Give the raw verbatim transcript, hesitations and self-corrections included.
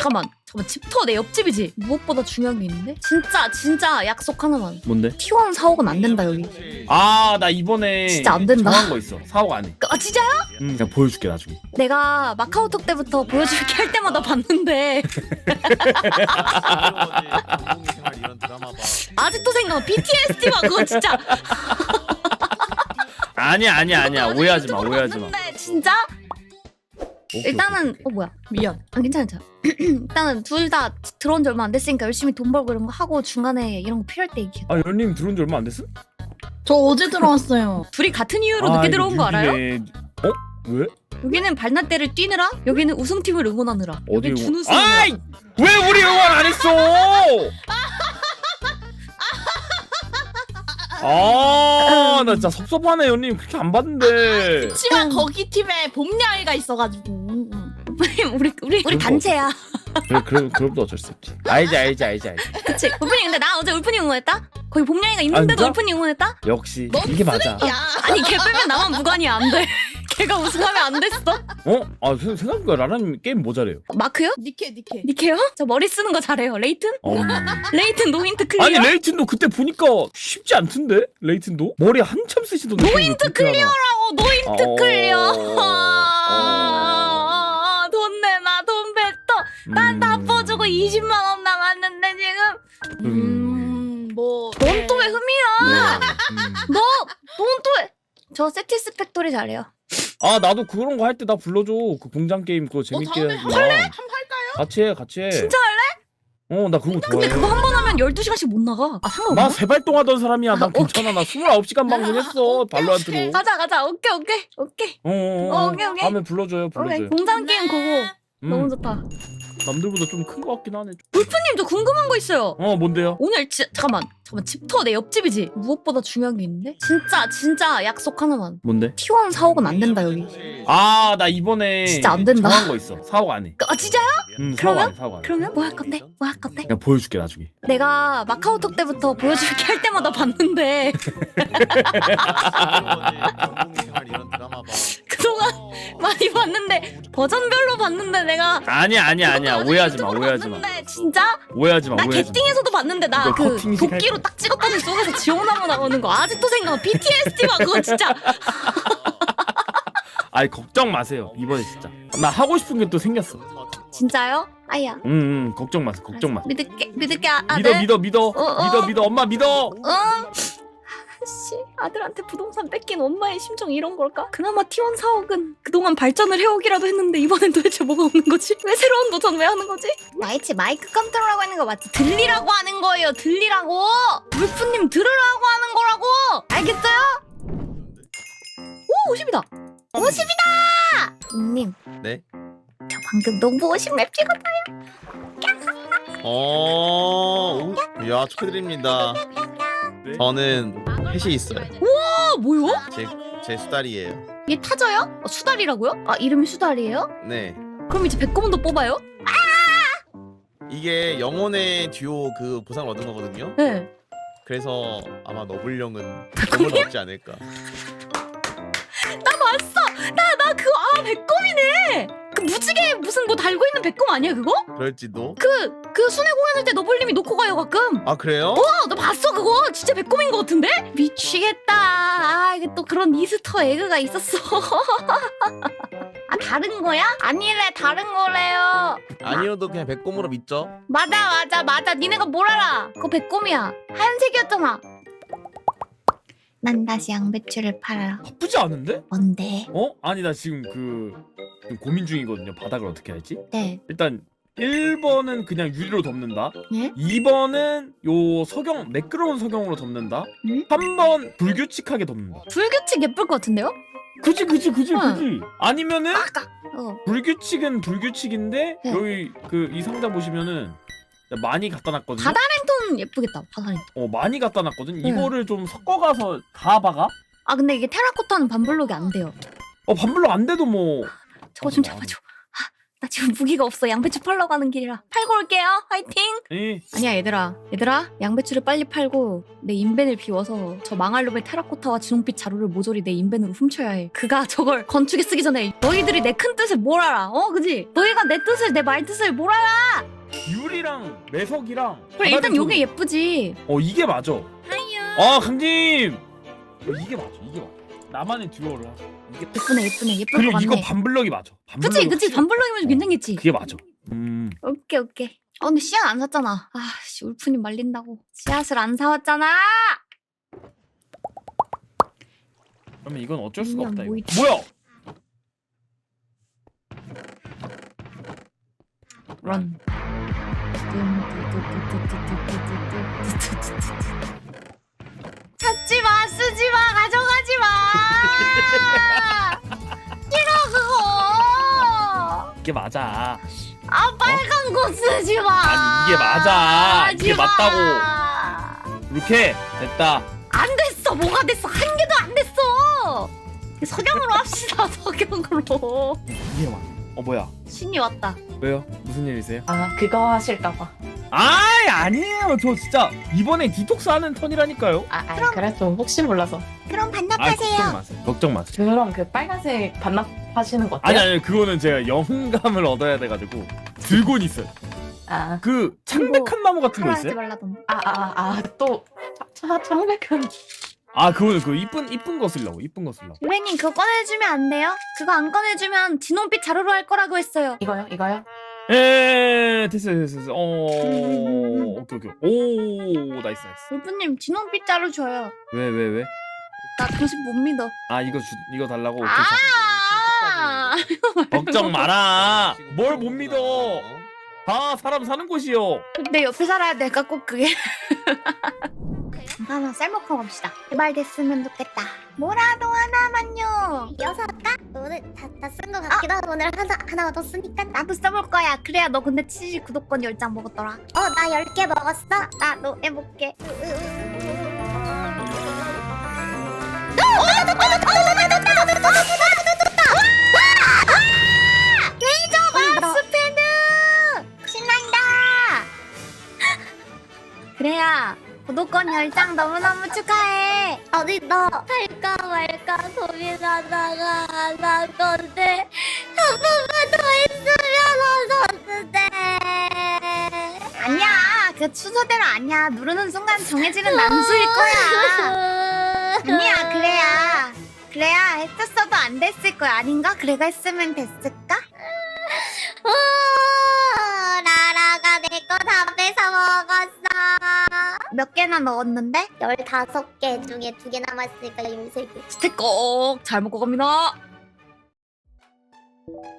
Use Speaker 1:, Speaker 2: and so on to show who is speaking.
Speaker 1: 잠깐만 잠깐만 집터 내 옆집이지. 무엇보다 중요한 게 있는데? 진짜 진짜 약속 하나만.
Speaker 2: 뭔데?
Speaker 1: 티원 사옥은 안 된다 여기.
Speaker 2: 아, 나 이번에
Speaker 1: 진짜 안 된다.
Speaker 2: 정한 거 있어. 사옥 안 해.
Speaker 1: 아 진짜요?
Speaker 2: 응, 그냥 보여줄게 나중에.
Speaker 1: 내가 마카오톡 때부터 보여줄게 할 때마다 봤는데 아직도 생각나. 비티에스디가 그거 진짜.
Speaker 2: 아니야 아니야 아니야. 오해하지 마 오해하지 마.
Speaker 1: 봤는데 진짜?
Speaker 2: 오케이,
Speaker 1: 일단은
Speaker 2: 오케이.
Speaker 1: 어 뭐야 미안. 아 괜찮아 괜찮아. 일단은 둘 다 들어온 지 얼마 안 됐으니까 열심히 돈 벌고 이런 거 하고 중간에 이런 거 필요할 때 얘기해.
Speaker 2: 아, 연님 들어온 지 얼마 안 됐음?
Speaker 3: 저 어제 들어왔어요.
Speaker 1: 둘이 같은 이유로
Speaker 2: 아,
Speaker 1: 늦게
Speaker 2: 이거
Speaker 1: 들어온 거 알아요?
Speaker 2: 뉴비네. 어? 왜?
Speaker 1: 여기는 발나대를 뛰느라 여기는 우승팀을 응원하느라
Speaker 2: 어디
Speaker 1: 여기 준우승.
Speaker 2: 아이! 왜 우리 응원 안 했어? 아, 나 진짜 섭섭하네, 연님. 그렇게 안 봤는데.
Speaker 3: 그치만 거기 팀에 봄야이가 있어가지고.
Speaker 1: 우리 우리 우리 단체야.
Speaker 2: 그래, 그럼, 그럼도 어쩔 수 없지. 알지, 알지, 알지, 알지.
Speaker 1: 그치. 울프님 근데 나 어제 울프님 응원했다? 거기 봄냥이가 있는데도
Speaker 2: 진짜?
Speaker 1: 울프님 응원했다?
Speaker 2: 역시
Speaker 3: 넌
Speaker 2: 이게 맞아.
Speaker 3: 야.
Speaker 1: 아니 걔 빼면 나만 무관이야. 안 돼. 걔가 우승하면 안 됐어.
Speaker 2: 어? 아, 생- 생각보다 라라님 게임 뭐 잘해요?
Speaker 1: 마크요?
Speaker 3: 니케 니케.
Speaker 1: 니케요? 저 머리 쓰는 거 잘해요. 레이튼?
Speaker 2: 어.
Speaker 1: 레이튼 노인트 클리어?
Speaker 2: 아니, 레이튼도 그때 보니까 쉽지 않던데? 레이튼도? 머리 한참 쓰시던데.
Speaker 1: 노인트 클리어라고. 노인트
Speaker 2: 어.
Speaker 1: 클리어.
Speaker 2: 어.
Speaker 1: 아, 돈 내놔. 돈 뱉어. 난 다
Speaker 2: 음.
Speaker 1: 퍼주고 이십만 원 남았는데 지금.
Speaker 3: 음, 뭐.
Speaker 1: 넌 또 왜 흠이야?
Speaker 2: 네. 음.
Speaker 1: 너, 넌 또 왜? 저 세티스팩토리 잘해요.
Speaker 2: 아, 나도 그런 거 할 때 나 불러줘. 그 공장 게임 그거 재밌게
Speaker 3: 다음에
Speaker 2: 하지.
Speaker 3: 할래? 한번 할까요?
Speaker 2: 같이 해, 같이 해.
Speaker 1: 진짜 할래?
Speaker 2: 어, 나 그런 거
Speaker 1: 근데
Speaker 2: 좋아해.
Speaker 1: 그거 한 번 하면 열두 시간씩 못 나가. 아 상관없나?
Speaker 2: 나 세발동하던 사람이야. 난
Speaker 1: 아,
Speaker 2: 괜찮아. 나 스물아홉 시간 방송했어. 발로한테로.
Speaker 1: 가자 가자. 오케이 오케이 오케이.
Speaker 2: 어, 어,
Speaker 1: 어,
Speaker 2: 어.
Speaker 1: 오케이, 오케이.
Speaker 2: 다음에 불러줘요.
Speaker 1: 오케이.
Speaker 2: 불러줘요.
Speaker 1: 공장 게임 그거
Speaker 2: 음,
Speaker 1: 너무 좋다.
Speaker 2: 남들보다 좀 큰 거 같긴 하네.
Speaker 1: 울프님 저 궁금한 거 있어요.
Speaker 2: 어, 뭔데요?
Speaker 1: 오늘 지, 잠깐만 잠깐만 집터 내 옆집이지. 무엇보다 중요한 게 있는데? 진짜 진짜 약속 하나만.
Speaker 2: 뭔데?
Speaker 1: 티원 사옥은 안 된다 여기.
Speaker 2: 아, 나 이번에
Speaker 1: 진짜 안 된다.
Speaker 2: 정한 거 있어. 사옥 안 해.
Speaker 1: 아 진짜요?
Speaker 2: 음, 사옥
Speaker 1: 그러면?
Speaker 2: 안 해. 사옥 안 해.
Speaker 1: 그러면 뭐 할 건데? 뭐 할 건데?
Speaker 2: 그냥 보여줄게 나중에.
Speaker 1: 내가 마카오톡 때부터 보여줄게 할 때마다 봤는데 그동안 많이 봤는데 버전별로 봤는데 내가
Speaker 2: 아니야, 아니야, 아니야. 오해하지 마. 오해하지 마.
Speaker 1: 봤는데 진짜?
Speaker 2: 오해하지 마.
Speaker 1: 나
Speaker 2: 오해하지 마.
Speaker 1: 개띵에서도 봤는데 나
Speaker 2: 이거
Speaker 1: 그
Speaker 2: 커팅
Speaker 1: 도끼로 딱 찍었더니 속에서 지원나무 나오는 거 아직도 생각나. 비티에스디가 그거 진짜.
Speaker 2: 아이, 걱정 마세요. 이번에 진짜. 나 하고 싶은 게 또 생겼어.
Speaker 1: 진짜요? 아야.
Speaker 2: 응, 응. 걱정 마세요. 걱정 마.
Speaker 1: 믿을게 믿을게 아, 아들.
Speaker 2: 믿어, 믿어, 믿어.
Speaker 1: 어, 어.
Speaker 2: 믿어, 믿어. 엄마 믿어.
Speaker 1: 응. 씨 아들한테 부동산 뺏긴 엄마의 심정 이런 걸까? 그나마 티원 사옥은 그동안 발전을 해오기라도 했는데 이번엔 도대체 뭐가 없는 거지? 왜 새로운 도전 왜 하는 거지? 나이치 마이크 컨트롤하고 하는 거 맞지? 들리라고 하는 거예요. 들리라고. 울프님 들으라고 하는 거라고. 알겠어요? 오 오십이다. 오십이다. 님.
Speaker 4: 네.
Speaker 1: 저 방금 너무 오십 맵 찍었다.
Speaker 4: 어, 오, 야 축하드립니다. 저는 햇이 있어요.
Speaker 1: 아 뭐요?
Speaker 4: 제 제 수달이에요.
Speaker 1: 얘 타져요? 어, 수달이라고요? 아 이름이 수달이에요?
Speaker 4: 네.
Speaker 1: 그럼 이제 백검은도 뽑아요?
Speaker 4: 이게 영혼의 듀오 그 보상을 얻은 거거든요.
Speaker 1: 네.
Speaker 4: 그래서 아마 너블령은 백검을 얻지 않을까.
Speaker 1: 나 봤어. 나 나 그거 아 백검이네. 그 무지개 무슨 뭐 달고 있는 백검 아니야 그거?
Speaker 4: 그럴지도.
Speaker 1: 그 그 순회 공연할 때 너블님이 놓고 가요 가끔.
Speaker 4: 아 그래요?
Speaker 1: 어, 나 봤어 그거. 진짜 백검인 것 같은데? 미치겠다. 아 이게 또 그런 이스터 에그가 있었어. 아 다른 거야? 아니래 다른 거래요.
Speaker 4: 아니어도 그냥 백검으로 믿죠.
Speaker 1: 맞아 맞아 맞아. 니네가 뭘 알아? 그거 백검이야. 하얀색이었잖아. 난 다시 양배추를 팔아.
Speaker 2: 나쁘지 않은데?
Speaker 1: 뭔데?
Speaker 2: 어? 아니, 나 지금 그 좀 고민 중이거든요. 바닥을 어떻게 할지.
Speaker 1: 네.
Speaker 2: 일단 일 번은 그냥 유리로 덮는다.
Speaker 1: 네?
Speaker 2: 이 번은 요 석영 매끄러운 석영으로 덮는다.
Speaker 1: 음?
Speaker 2: 삼 번 불규칙하게 덮는다.
Speaker 1: 불규칙 예쁠 것 같은데요?
Speaker 2: 그지 그지 그지
Speaker 1: 응.
Speaker 2: 그지. 아니면은
Speaker 1: 아까 어.
Speaker 2: 불규칙은 불규칙인데
Speaker 1: 네.
Speaker 2: 여기 그 이 상자 보시면은 많이 갖다 놨거든요.
Speaker 1: 바다 랜턴 예쁘겠다. 바다 랜턴.
Speaker 2: 어, 많이 갖다 놨거든.
Speaker 1: 네.
Speaker 2: 이거를 좀 섞어가서 다 박아.
Speaker 1: 아 근데 이게 테라코타는 반블록이 안 돼요.
Speaker 2: 어, 반불로 안 돼도 뭐.
Speaker 1: 저거 좀 잡아줘. 아, 나 지금 무기가 없어. 양배추 팔러 가는 길이라. 팔고 올게요. 화이팅!
Speaker 2: 예.
Speaker 1: 아니야 얘들아. 얘들아 양배추를 빨리 팔고 내 인벤을 비워서 저 망할 놈의 테라코타와 진홍빛 자루를 모조리 내 인벤으로 훔쳐야 해. 그가 저걸 건축에 쓰기 전에 너희들이 내 큰 뜻을 뭘 알아? 어 그지? 너희가 내 뜻을 내 말 뜻을 뭘 알아?
Speaker 2: 유리랑 매석이랑.
Speaker 1: 그래 일단
Speaker 2: 바닥에
Speaker 1: 요게 예쁘지.
Speaker 2: 어 이게 맞아.
Speaker 1: 하이요.
Speaker 2: 아 강님. 어, 이게 맞아. 이게 맞아. 나만의 듀오를 하자. 이게
Speaker 1: 예쁘네 예쁘네 예쁠 것
Speaker 2: 그리고
Speaker 1: 같네.
Speaker 2: 이거 반블럭이 맞아. 반블럭이
Speaker 1: 그치 그치
Speaker 2: 확실히-
Speaker 1: 반블럭이면
Speaker 2: 어,
Speaker 1: 괜찮겠지.
Speaker 2: 그게 맞아. 음.
Speaker 1: 오케이 오케이. 아 근데 씨앗 안 샀잖아. 아씨 울프님 말린다고. 씨앗을 안 사왔잖아.
Speaker 2: 그러면 이건 어쩔 수가
Speaker 1: 그냥
Speaker 2: 없다.
Speaker 1: 뭐
Speaker 2: 이거.
Speaker 1: 있지?
Speaker 2: 뭐야?
Speaker 1: 런. 찾지 마, 쓰지 마, 가져가지 마. 싫어 그거.
Speaker 2: 이게 맞아.
Speaker 1: 아 빨간 거 쓰지 마.
Speaker 2: 아니, 이게 맞아. 이게
Speaker 1: 하지 마.
Speaker 2: 맞다고. 이렇게 됐다.
Speaker 1: 안 됐어. 뭐가 됐어? 한 개도 안 됐어. 석양으로 합시다. 석양으로.
Speaker 2: 이게 맞아. 어 뭐야?
Speaker 1: 신이 왔다.
Speaker 2: 왜요? 무슨 일이세요?
Speaker 5: 아 그거 하실까봐.
Speaker 2: 아이 아니에요. 저 진짜 이번에 디톡스 하는 턴이라니까요.
Speaker 5: 아, 아 그래 좀 혹시 몰라서.
Speaker 1: 그럼
Speaker 2: 아 걱정 마세요. 걱정 마세요.
Speaker 5: 그럼 그 빨간색 반납하시는 거
Speaker 2: 아니
Speaker 5: 어때요?
Speaker 2: 아니 그거는 제가 영감을 얻어야 돼가지고 들고는 있어요.
Speaker 5: 아,
Speaker 2: 그 창백한 나무 같은 거
Speaker 1: 하지
Speaker 2: 있어요?
Speaker 1: 말라던데.
Speaker 5: 아, 아, 아, 또 차, 청백한.
Speaker 2: 아 그거는 그 이쁜 이쁜 거 쓰려고 이쁜 거 쓰려고.
Speaker 1: 선배님 그거 꺼내주면 안 돼요? 그거 안 꺼내주면 진홍빛 자루로 할 거라고 했어요.
Speaker 5: 이거요, 이거요?
Speaker 2: 에 됐어요 됐어요 됐어요. 어 오케이 오케이 오 나이스 나이스.
Speaker 1: 울프님 진홍빛 자루 줘요.
Speaker 2: 왜 왜 왜?
Speaker 1: 나 당신 못 믿어.
Speaker 2: 아 이거 주 이거 달라고. 오케이,
Speaker 1: 아!
Speaker 2: 자. 걱정 마라. 뭘 못 믿어. 다 사람 사는 곳이요.
Speaker 1: 내 옆에 살아야 될까 꼭 그게. 하나 쌀먹하고 갑시다. 제발 됐으면 좋겠다. 뭐라도 하나만요.
Speaker 6: 여섯 가? 오늘 다쓴 거 같기도 하고 오늘 하나 하나 얻었으니까 나
Speaker 1: 나도 써볼 거야. 그래야 너 근데 치즈 구독권 열 장 먹었더라.
Speaker 6: 어 나 열 개 먹었어.
Speaker 1: 나도 해볼게.
Speaker 6: 레이저
Speaker 1: 스패드! 신난다! 그래야 구독권 열 장 너무너무 축하해.
Speaker 6: 어디 너 할까 말까 고민하다가 안 한 건데 한 번만 더 했으면 얻었는데.
Speaker 1: 아니야. 그 순서대로 아니야. 누르는 순간 정해지는 난수일 거야. 아니야. 그래야. 그래야 했었어도 안 됐을 거야. 아닌가? 그래가 했으면 됐을까?
Speaker 6: 오, 라라가 내 거 다 뺏어 먹었어.
Speaker 1: 몇 개나 넣었는데?
Speaker 6: 열다섯 개 중에 두 개 남았으니까 열세 개.
Speaker 1: 스택 꼭잘 먹고 갑니다.